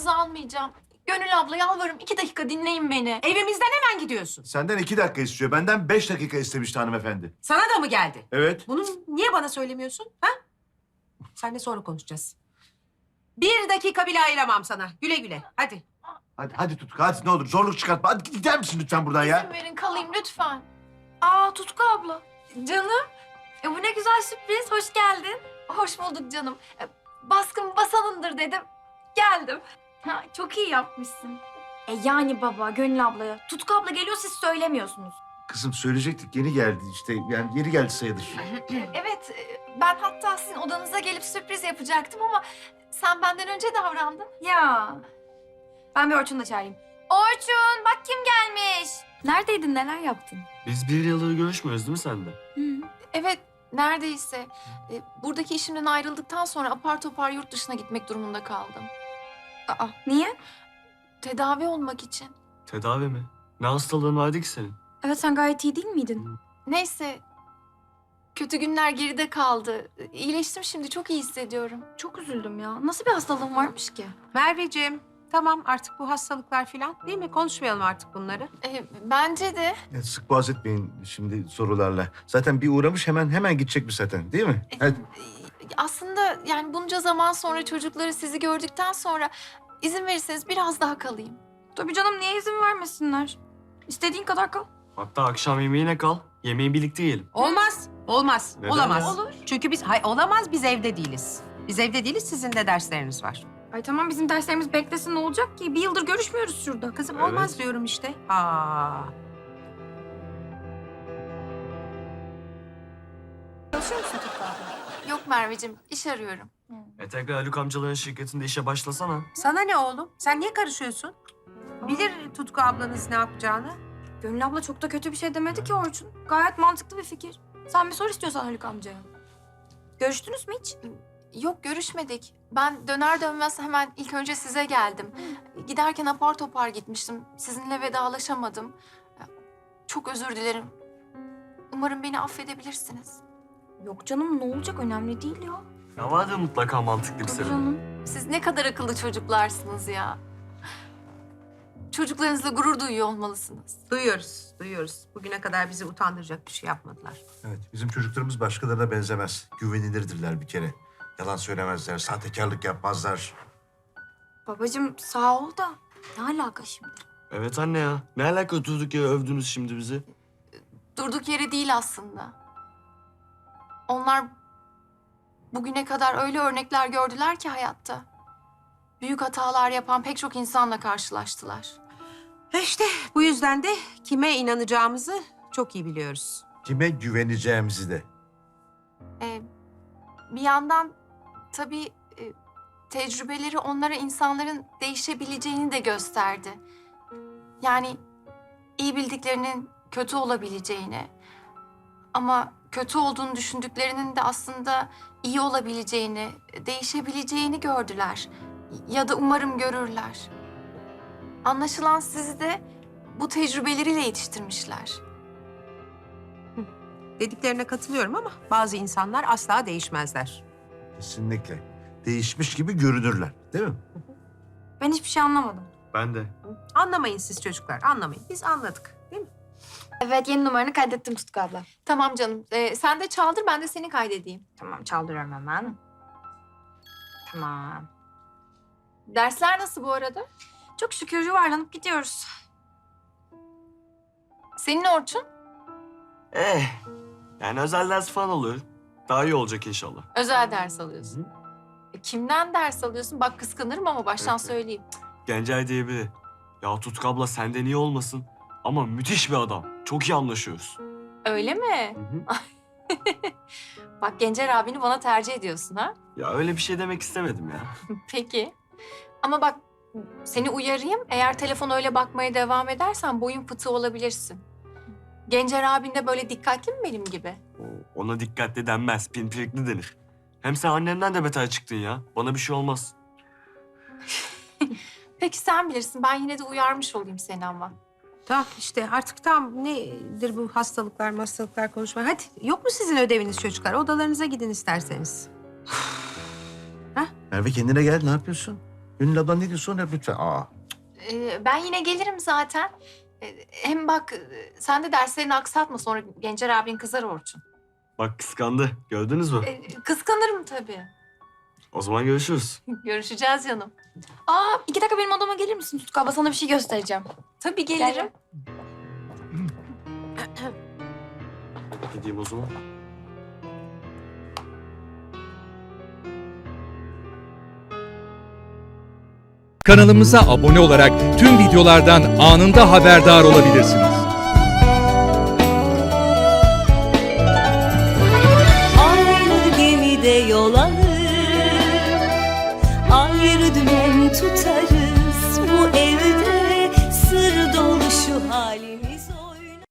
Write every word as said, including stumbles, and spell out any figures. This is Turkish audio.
zamanınızı almayacağım. Gönül abla yalvarırım iki dakika dinleyin beni. Evimizden hemen gidiyorsun. Senden iki dakika istiyor. Benden beş dakika istemişti hanımefendi. Sana da mı geldi? Evet. Bunu niye bana söylemiyorsun? Ha? Seninle sonra konuşacağız. Bir dakika bile ayıramam sana. Güle güle. Hadi. Hadi hadi Tutku hadi ne olur zorluk çıkartma. Hadi gider misin lütfen buradan ya? İzin verin kalayım lütfen. Aa Tutku abla. Canım. E, bu ne güzel sürpriz. Hoş geldin. Hoş bulduk canım. E, Baskın basanındır dedim. Geldim. Ha, çok iyi yapmışsın. E yani baba, Gönül ablaya. Tutku abla geliyor siz söylemiyorsunuz. Kızım söyleyecektik yeni geldi işte yani yeni geldi sayılır. E, Evet e, ben hatta sizin odanıza gelip sürpriz yapacaktım ama sen benden önce davrandın. Ya. Ben bir Orçun'u da çağırayım. Orçun bak kim gelmiş. Neredeydin, neler yaptın? Biz bir yıldır görüşmüyoruz değil mi sen de? Hı. Evet neredeyse. E, buradaki işimden ayrıldıktan sonra apar topar yurt dışına gitmek durumunda kaldım. Aa niye? Tedavi olmak için. Tedavi mi? Ne hastalığın vardı ki senin? Evet sen gayet iyi değil miydin? Neyse. Kötü günler geride kaldı. İyileştim şimdi çok iyi hissediyorum. Çok üzüldüm ya. Nasıl bir hastalığın varmış ki? Merveciğim. Tamam artık bu hastalıklar falan değil mi? Konuşmayalım artık bunları. E, bence de. Ya sık boğaz etmeyin şimdi sorularla. Zaten bir uğramış hemen hemen gidecekmiş zaten değil mi? E, Hadi. Aslında yani bunca zaman sonra çocukları sizi gördükten sonra izin verirseniz biraz daha kalayım. Tabii canım niye izin vermesinler? İstediğin kadar kal. Hatta akşam yemeğine kal. Yemeği birlikte yiyelim. Olmaz. Olmaz. Neden Olamaz. ya? Olur. Çünkü biz hay olamaz biz evde değiliz. Biz evde değiliz sizin de dersleriniz var. Ay tamam bizim derslerimiz beklesin ne olacak ki? Bir yıldır görüşmüyoruz şurada. Kızım Evet. olmaz diyorum işte. Aa. Çalışıyor musun Tutku abla? Yok Merveciğim iş arıyorum. E tekrar Haluk amcaların şirketinde işe başlasana. Sana ne oğlum? Sen niye karışıyorsun? Bilir Tutku ablanız ne yapacağını. Gönül abla çok da kötü bir şey demedi ki Orçun. Gayet mantıklı bir fikir. Sen bir sor istiyorsan Haluk amcaya. Görüştünüz mü hiç? Yok görüşmedik. Ben döner dönmez hemen ilk önce size geldim. Giderken apar topar gitmiştim. Sizinle vedalaşamadım. Çok özür dilerim. Umarım beni affedebilirsiniz. Yok canım ne olacak önemli değil ya. Ya vardır mutlaka mantıklı bir Tabii sebebi. canım. Siz ne kadar akıllı çocuklarsınız ya. Çocuklarınızla gurur duyuyor olmalısınız. Duyuyoruz, duyuyoruz. Bugüne kadar bizi utandıracak bir şey yapmadılar. Evet bizim çocuklarımız başkalarına benzemez. Güvenilirdirler bir kere. Yalan söylemezler, sahtekarlık yapmazlar. Babacığım sağ ol da ne alaka şimdi? Evet anne ya. Ne alaka durduk yere övdünüz şimdi bizi? Durduk yere değil aslında. Onlar bugüne kadar öyle örnekler gördüler ki hayatta. Büyük hatalar yapan pek çok insanla karşılaştılar. E İşte bu yüzden de kime inanacağımızı çok iyi biliyoruz. Kime güveneceğimizi de. Ee, bir yandan tabii e, tecrübeleri onlara insanların değişebileceğini de gösterdi. Yani iyi bildiklerinin kötü olabileceğini ama kötü olduğunu düşündüklerinin de aslında iyi olabileceğini, değişebileceğini gördüler. Ya da umarım görürler. Anlaşılan sizi de bu tecrübeleriyle yetiştirmişler. Dediklerine katılıyorum ama bazı insanlar asla değişmezler. Kesinlikle. Değişmiş gibi görünürler değil mi? Ben hiçbir şey anlamadım. Ben de. Anlamayın siz çocuklar, anlamayın. Biz anladık, değil mi? Evet yeni numaranı kaydettim Tutku abla. Tamam canım. Ee, sen de çaldır, ben de seni kaydedeyim. Tamam çaldırıyorum hemen. Tamam. Dersler nasıl bu arada? Çok şükür yuvarlanıp gidiyoruz. Senin Orçun? Eh. Yani özel ders falan oluyor. Daha iyi olacak inşallah. Özel ders alıyorsun. E, kimden ders alıyorsun? Bak kıskanırım ama baştan Evet. söyleyeyim. Gencer diye biri. Ya Tutku abla senden iyi olmasın. Ama müthiş bir adam. Çok iyi anlaşıyoruz. Öyle mi? Hı hı. Bak Gencer abini bana tercih ediyorsun ha? Ya öyle bir şey demek istemedim ya. Peki. Ama bak seni uyarayım. Eğer telefona öyle bakmaya devam edersen boyun fıtığı olabilirsin. Gencer abin de böyle dikkatli mi benim gibi? O- Ona dikkatli denmez, pimpirikli denir. Hem sen annemden de beter çıktın ya. Bana bir şey olmaz. Peki sen bilirsin. Ben yine de uyarmış olayım seni ama. Tamam işte artık tam nedir bu hastalıklar, hastalıklar konuşma. Hadi yok mu sizin ödeviniz çocuklar? Odalarınıza gidin isterseniz. Merve kendine gel ne yapıyorsun? Gönül abla ne diyorsun hep lütfen. Aa. Ee, ben yine gelirim zaten. Ee, hem bak e, sen de derslerini aksatma sonra Gencer abin kızar Orçun. Bak kıskandı. Gördünüz mü? Ee, kıskanırım tabii. O zaman görüşürüz. Görüşeceğiz canım. Aa iki dakika benim odama gelir misin Tutku abla? Sana bir şey göstereceğim. Tabii gelirim. Gideyim o zaman. Kanalımıza abone olarak tüm videolardan anında haberdar olabilirsiniz. Aynı gemide yol alır, ayrı dümen tutar.